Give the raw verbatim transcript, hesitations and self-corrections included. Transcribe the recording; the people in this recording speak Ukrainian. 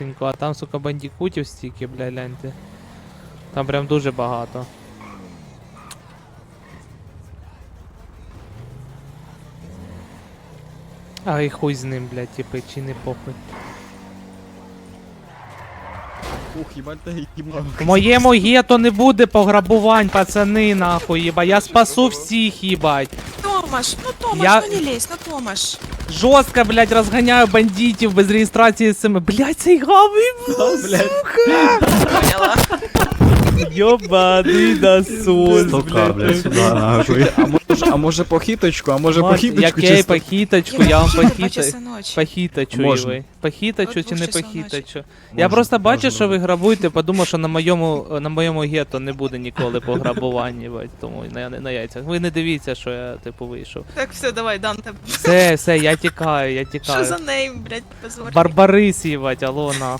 А там, сука, бандікутів стільки, бля, гляньте. Там прям дуже багато. А і хуй з ним, блядь, типи, чи не похуй. Ух, їбать, та їбав. В моєму гетто не буде пограбувань, пацани, нахуй, їба. Я спасу всіх, їбать. Томаш, ну Томаш, Я- ну не лезь, ну Томаш. Жорстко, блядь, розганяю бандитів без реєстрації СМ. Блядь, цей гавий, Блядь. Поняла. йобаний насос, Стока, блядь, блядь. сюди, нахуй. А може, а може похиточку, а може Мать, похиточку Яке чисто? похиточку, я вам Два похитаю. часа ночі. Похитачу, Можна. Іви. Похитачу От чи не двох часов похитачу? Я Можна, просто бачу, можна. що ви грабуєте, подумав, що на моєму, на моєму гетто не буде ніколи пограбування, бать, тому на, на яйцях. Ви не дивіться, що я, типу, вийшов. Так, все, давай, Данте. Все, все, я тікаю, я Що тікаю. за нейм, блядь, позор. Барбарис, їбать, алло, нахуй.